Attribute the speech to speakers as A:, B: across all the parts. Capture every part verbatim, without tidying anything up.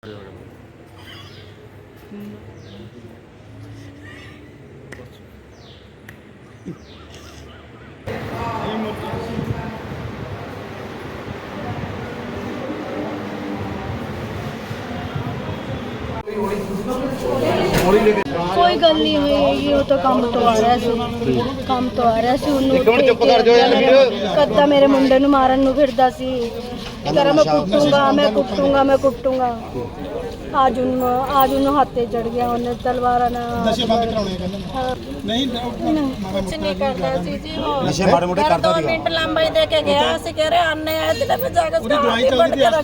A: कोई गल नहीं हुई ये तो काम तो आ रहा सी काम तो आ रहा सी कद्दा मेरे मुंडे नूं मारन नूं फिरदा सी करा मैं कुटूंगा मैं कुटूंगा मैं कुटूंगा आज उन आज उन हाथे चढ़ गया उन्हें तलवार ना नशे बंद कराने कहंदे नहीं कुछ नहीं करदा सी जी वो नशे मारे मोटे करदा सी दो मिनट लंबाई दे के गया सी कह रहे आने आए थे मैं जाकर उसकी दवाई चल रही है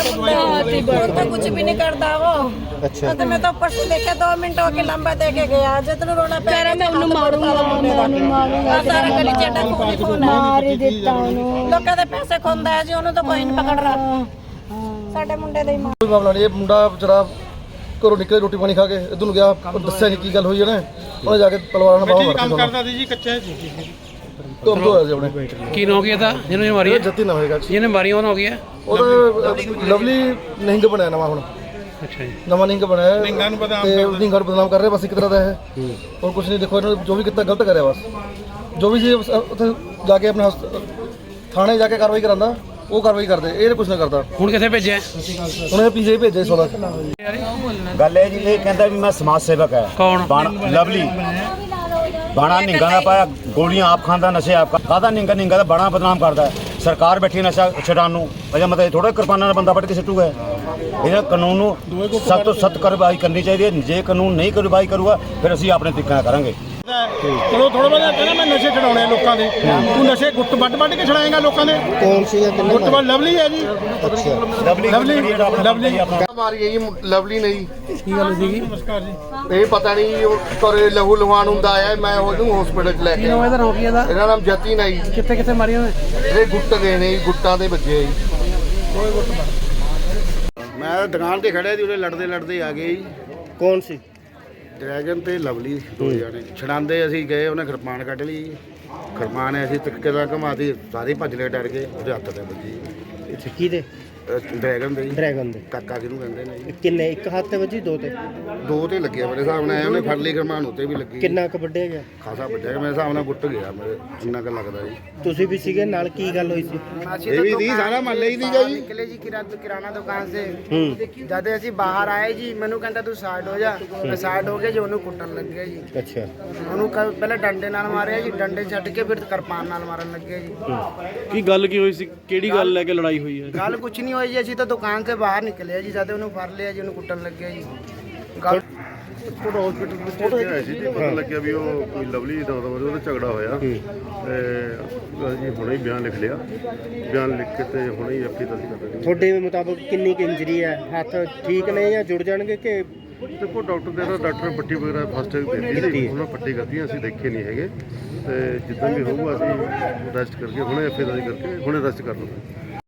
A: तो कुछ भी नहीं करदा वो अच्छा तो मैं तो ऊपर से देखे दो मिनट हो के लंबा दे के गया जितना रोना पे कह रहा मैं उन्हें मारूंगा मैं उन्हें मारूंगा सारा गली चेटा खून खून मार ही देता उन्हें लोकां दे पैसे खोंदा है जी उन्हें तो कोई नहीं पकड़ रहा ਸਾਡੇ ਮੁੰਡੇ ਦੇ ਮਾਂ ਮਾਮਲਾ ਨਹੀਂ ਇਹ ਮੁੰਡਾ ਵਿਚਾਰਾ ਘਰੋਂ ਨਿਕਲੇ ਰੋਟੀ ਪਾਣੀ ਖਾ ਕੇ ਇਧਰ ਨੂੰ ਗਿਆ ਦੱਸਿਆ ਨਹੀਂ ਕੀ ਗੱਲ ਹੋਈ ਇਹਨੇ ਉਹਨੇ ਜਾ ਕੇ ਤਲਵਾਰ ਨਾਲ ਬਾਹਰ ਕੰਮ ਕਰਦਾ ਸੀ ਜੀ ਕੱਚਾ ਜੀ ਤੋਂ ਤੋਂ ਹੋਇਆ ਜੀ ਆਪਣੇ ਕੀ ਨਾ ਹੋ ਗਿਆ ਤਾਂ ਜਿਹਨੂੰ ਇਹ ਮਾਰੀ ਜੱਤੀ ਨਾ ਹੋਏਗਾ ਜਿਹਨੇ ਮਾਰੀ ਉਹਨਾਂ ਹੋ ਗਿਆ ਉਹਦਾ ਲਵਲੀ ਨਿਹੰਗ ਬਣਾਇਆ ਨਵਾਂ ਹੁਣ ਅੱਛਾ ਜੀ ਨਵਾਂ ਨਿਹੰਗ ਬਣਾਇਆ ਨਿਹੰਗਾਂ ਨੂੰ ਬਦਨਾਮ ਤੇ ਨਿਹੰਗਾਂ ਨੂੰ ਬਦਨਾਮ ਕਰ ਰਿਹਾ ਬਸ ਇੱਕ ਤਰ੍ਹਾਂ ਦਾ ਹੈ ਹੋਰ ਕੁਝ ਨਹੀਂ ਦੇਖੋ ਇਹਨਾਂ ਜੋ ਵੀ ਕੀਤਾ ਗਲਤ ਕਰਿਆ ਬਸ ਜੋ ਵੀ ਜੀ ਉੱਥੇ ਜਾ ਕੇ ਆਪਣੇ ਥਾਣੇ ਜਾ ਕੇ ਕਾਰਵਾਈ ਕਰਾਂਦਾ ਉਹ ਕਾਰਵਾਈ ਕਰਦੇ ਇਹ ਕੁਝ ਨਾ ਕਰਦਾ ਹੁਣ ਕਿੱਥੇ ਭੇਜਿਆ ਉਹਨੇ ਪੀਜੇ ਭੇਜੇ ਸੋਲਾ
B: ਗੱਲ ਇਹ ਜੀ ਇਹ ਕਹਿੰਦਾ ਵੀ ਮੈਂ ਸਮਾਜ ਸੇਵਕ ਹੈ
A: ਕੌਣ
B: ਲਵਲੀ ਬਾਣਾ ਨਿੰਗਾ ਦਾ ਪਾਇਆ ਗੋਲੀਆਂ ਆਪ ਖਾਂਦਾ ਨਸ਼ੇ ਆਪ ਖਾਦਾ ਨਿੰਗਾ ਨਿੰਗਾ ਦਾ ਬੜਾ ਬਦਨਾਮ ਕਰਦਾ ਸਰਕਾਰ ਬੈਠੀ ਨਸ਼ਾ ਛਡਾਉਣ ਨੂੰ ਅਜਾ ਮਤਲਬ ਥੋੜਾ ਕਿਰਪਾਨਾਂ ਨਾਲ ਬੰਦਾ ਵੱਢ ਕੇ ਸਿੱਟੂਗਾ ਇਹਨਾਂ ਕਾਨੂੰਨ ਨੂੰ ਸਖਤ ਤੋਂ ਸਖਤ ਕਾਰਵਾਈ ਕਰਨੀ ਚਾਹੀਦੀ ਹੈ ਜੇ ਕਾਨੂੰਨ ਨਹੀਂ ਕਾਰਵਾਈ ਕਰੂਗਾ ਫਿਰ ਅਸੀਂ ਆਪਣੇ ਤਰੀਕੇ ਨਾਲ ਕਰਾਂਗੇ
C: ਚਲੋ ਥੋੜਾ ਬਹੁਤਾ ਕਹਿੰਦਾ ਮੈਂ ਨਸ਼ੇ ਛਡਾਉਣੇ ਲੋਕਾਂ ਦੇ ਤੂੰ ਨਸ਼ੇ ਗੁੱਟ ਵੱਢ ਵੱਢ ਕੇ ਛਡਾਏਗਾ ਲੋਕਾਂ ਦੇ ਕੌਣ ਸੀ ਗੁੱਟ ਵੱਢ ਲਵਲੀ ਹੈ ਜੀ ਅੱਛਾ ਲਵਲੀ ਲਵਲੀ
D: ਮਾਰੀ ਹੈ ਜੀ ਲਵਲੀ ਨੇ ਜੀ
C: ਕੀ ਗੱਲ ਸੀਗੀ ਨਮਸਕਾਰ ਜੀ
D: ਇਹ ਪਤਾ ਨਹੀਂ ਉਹ ਤੋਰੇ ਲਹੂ ਲਵਾਨ ਹੁੰਦਾ ਆਇਆ ਮੈਂ ਉਹਨੂੰ ਹਸਪੀਟਲ ਚ ਲੈ ਕੇ
C: ਇਹਦਾ ਨਾਮ ਕੀ ਇਹਦਾ
D: ਇਹਦਾ ਨਾਮ ਜਤੀ ਨਾ ਜੀ
C: ਕਿੱਥੇ ਕਿੱਥੇ ਮਾਰੀ ਉਹਨੇ
D: ਇਹ ਗੁੱਟ ਗਏ ਨੇ ਜੀ ਗੁੱਟਾਂ ਦੇ ਵੱਜੇ ਜੀ ਮੈਂ ਦੁਕਾਨ ਤੇ ਖੜਿਆ ਸੀ ਉਹਦੇ ਲੜਦੇ ਲੜਦੇ ਆ ਗਏ ਜੀ
C: ਕੌਣ ਸੀ
D: ਡਰੈਗਨ ਤੇ ਲਵਲੀ ਦੋ ਜਾਣੇ ਛਡਾਉਂਦੇ ਅਸੀਂ ਗਏ ਉਹਨੇ ਕਿਰਪਾਨ ਕੱਢ ਲਈ ਕਿਰਪਾਨ ਅਸੀਂ ਤਿੱਕੇ ਦਾ ਘਮਾਤੀ ਸਾਰੇ ਭੱਜ ਲਏ ਡਰ ਗਏ ਉਹਦੇ ਹੱਥ ਤੇ ਵੱਜੀ
C: ਅੱਛਾ ਕਿਹਦੇ
D: ਡਰੈਗਨ ਦੇ
C: ਡਰੈਗਨ ਦੇ
D: ਕਾਕਾ ਜਿਹਨੂੰ ਕਹਿੰਦੇ ਨੇ ਜੀ
C: ਕਿੰਨੇ ਇੱਕ ਹੱਥ ਤੇ ਵੱਜੀ ਦੋ ਤੇ
D: ਦੋ ਤੇ ਲੱਗਿਆ ਮੇਰੇ ਹਿਸਾਬ ਨਾਲ ਉਹਨੇ ਫੜ ਲਈ ਕਿਰਪਾਨ ਉੱਤੇ ਵੀ ਲੱਗੀ
C: ਕਿੰਨਾ ਕੁ ਵੱਢਿਆ ਗਿਆ
D: ਖਾਸਾ ਵੱਡਿਆ ਮੇਰੇ ਹਿਸਾਬ ਨਾਲ ਗੁੱਟ ਗਿਆ ਮੇਰੇ ਜਿੰਨਾ ਕੁ ਲੱਗਦਾ ਜੀ
C: ਤੁਸੀਂ ਵੀ ਸੀਗੇ ਨਾਲ ਕੀ ਗੱਲ ਹੋਈ ਸੀ
D: ਇਹ ਵੀ ਸੀ ਸਾਰਾ ਮਹੱਲੇ ਹੀ ਸੀਗਾ ਜੀ
E: ਨਿਕਲੇ ਜੀ ਕਿਰਾਣਾ ਦੁਕਾਨ ਸੇ ਜਦ ਅਸੀਂ ਬਾਹਰ ਆਏ ਜੀ ਮੈਨੂੰ ਕਹਿੰਦਾ ਤੂੰ ਸਾਈਡ ਹੋ ਜਾ ਮੈਂ ਸਾਈਡ ਹੋ ਗਿਆ ਜੀ ਉਹਨੂੰ ਕੁੱਟਣ ਲੱਗਿਆ ਜੀ
C: ਅੱਛਾ
E: ਉਹਨੂੰ ਪਹਿਲਾਂ ਡੰਡੇ ਨਾਲ ਮਾਰਿਆ ਜੀ ਡੰਡੇ ਛੱਡ ਕੇ ਫਿਰ ਕਿਰਪਾਨ ਨਾਲ ਮਾਰਨ ਲੱਗਿਆ ਜੀ
C: ਕੀ ਗੱਲ ਕੀ ਹੋਈ ਸੀ ਕਿਹੜੀ ਗੱਲ ਲੈ ਕੇ ਲੜਾਈ ਹੋਈ ਹੈ
E: ਗੱਲ ਕੁਛ ਨਹੀਂ ਹੋਈ ਜੀ ਅਸੀਂ ਤਾਂ ਦੁਕਾਨ ਸੇ ਬਾਹਰ ਨਿਕਲੇ ਜੀ ਜਦ ਉਹਨੂੰ ਫੜ ਲਿਆ ਜੀ ਉਹਨੂੰ ਕੁੱਟਣ ਲੱਗਿਆ ਜੀ ਗੱਲ
D: ਕੋਟ ਹਸਪੀਟਲ ਵਿੱਚ ਆਇਆ ਸੀ ਤੇ ਪਤਾ ਲੱਗਿਆ ਵੀ ਉਹ ਕੋਈ ਲਵਲੀ ਦਾ ਉਹਦਾ ਝਗੜਾ ਹੋਇਆ ਤੇ ਜੀ ਹੁਣੇ ਹੀ ਬਿਆਨ ਲਿਖ ਲਿਆ ਬਿਆਨ ਲਿਖ ਕੇ ਤੇ ਹੁਣੇ ਹੀ ਐਫਆਈ ਦਰਜ ਕਰ ਦਿੱਤੀ
C: ਤੁਹਾਡੇ ਮੁਤਾਬਕ ਕਿੰਨੀ ਕੁ ਇੰਜਰੀ ਹੈ ਹੱਥ ਠੀਕ ਨੇ ਜਾਂ ਜੁੜ ਜਾਣਗੇ ਕਿ
D: ਦੇਖੋ ਡਾਕਟਰ ਦੇ ਨਾਲ ਡਾਕਟਰ ਪੱਟੀ ਵਗੈਰਾ ਫਸਟ ਏਡ ਦਿੱਤੀ ਸੀ ਉਹਨਾਂ ਪੱਟੀ ਕਰਤੀ ਅਸੀਂ ਦੇਖੇ ਨਹੀਂ ਹੈਗੇ ਤੇ ਜਿੱਦਾਂ ਵੀ ਹੋਊਗਾ ਅਸੀਂ ਰੈਸਟ ਕਰਕੇ ਹੁਣੇ ਐਫਆਈ ਦਰਜ ਕਰਕੇ ਹੁਣੇ ਰੈਸਟ ਕਰ ਲਵਾਂਗੇ।